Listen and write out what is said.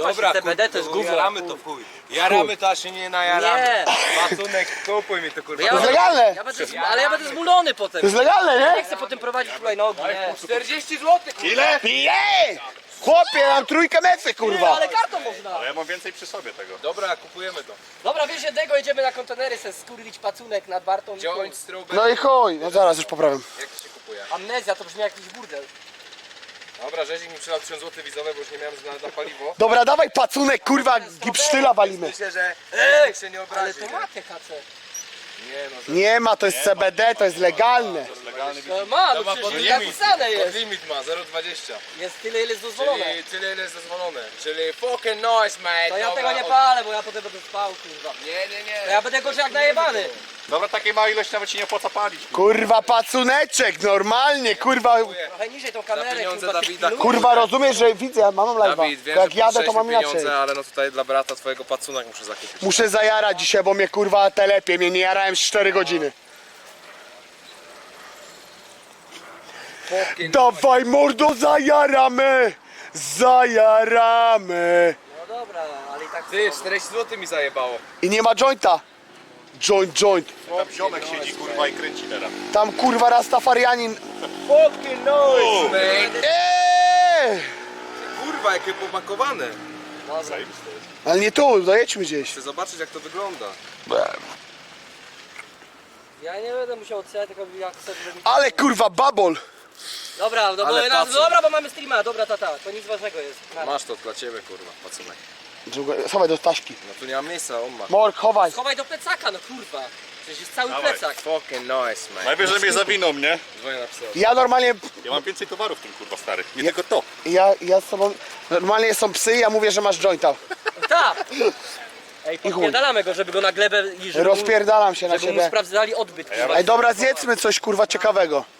właśnie CBD to jest gówno. Jaramy to w chuj. Jaramy to, aż się nie najaramy. Nie. Pacunek, kupuj mi to kurwa. Ja To jest legalne! ale ja będę zmulony potem. To jest legalne, Nie nie? chcę potem prowadzić hulajnogi, nie. 40 zł kurwa. Ile? Jej! Chłopie, mam trójkę mecy, Nie, kurwa! ale kartą można. Ale ja mam więcej przy sobie tego. Dobra, kupujemy to. Dobra, wiesz jednego, jedziemy na kontenery, se skurwić pacunek nad Bartą. Joint, strawberry. No i chuj, no zaraz już poprawiam. Jak to się kupuje? Amnezja, to brzmi jak jakiś burdel. Dobra, Rzezik mi przydał 1000 zł widzowe, bo już nie miałem na paliwo. Dobra, dawaj pacunek, kurwa, gipsztyla walimy. Myślę, że nikt się nie Ale obrazi. to ma THC. Nie no, Nie ma, to jest CBD, to jest legalne. To jest legalny No ma, no ma przecież pod napisane pod jest. limit ma, 0,20. Jest tyle, ile jest dozwolone. Czyli tyle ile jest dozwolone. Czyli fucking nice, mate. To ja Dobra, tego nie palę, bo ja potem będę spał, kurwa. Nie. To ja będę gorzej jak najebany. Dobra, takiej małej ilości nawet ci nie opłaca palić. Kurwa, pacuneczek, normalnie, kurwa. Trochę niżej tą Za kamerę, pieniądze kurwa, Dawida. Kurwa, rozumiesz, że widzę, ja mam live'a. Dawid, wiem, Jak że jadę, to mam potrzebujesz inaczej. pieniądze, ale no tutaj dla brata twojego pacunek muszę zakupić. Muszę zajarać dzisiaj, bo mnie kurwa telepie, mnie nie jarałem z 4 godziny. Dawaj mordo, zajaramy! Zajaramy! No dobra, ale i tak... Ty, 40 zł mi zajebało. I nie ma jointa. Joint. Tam ziomek siedzi kurwa i kręci teraz. Tam kurwa Rastafarianin. Fucking nice, mate. Kurwa, jakie popakowane. Zajebiste jest. Ale nie tu, dojedźmy gdzieś. Chcę zobaczyć jak to wygląda. Ja nie będę musiał odczytać, tylko jak sobie... Ale kurwa babol. Dobra, no bo, Ale pacun. dobra, bo mamy streama, dobra tata, to nic ważnego jest. Masz to dla ciebie kurwa, pacunek. Schowaj do taśki. No tu nie ma miejsca, on ma. Mork, chowaj. Schowaj do plecaka, no kurwa. Przecież jest cały Dawaj. plecak. Fucking nice, man. Najwyżej mnie zawiną, nie? Dzwonię na psy. Ja normalnie, Ja mam więcej towarów w tym kurwa stary. Nie tylko to. ja z tobą, normalnie są psy, ja mówię, że masz jointa. Tak! Ej, podpierdalamy go, żeby go na glebę i żeby, Rozpierdalam się na żeby mu siebie. sprawdzali odbyt, kurwa. Ej, dobra, zjedzmy coś kurwa ciekawego.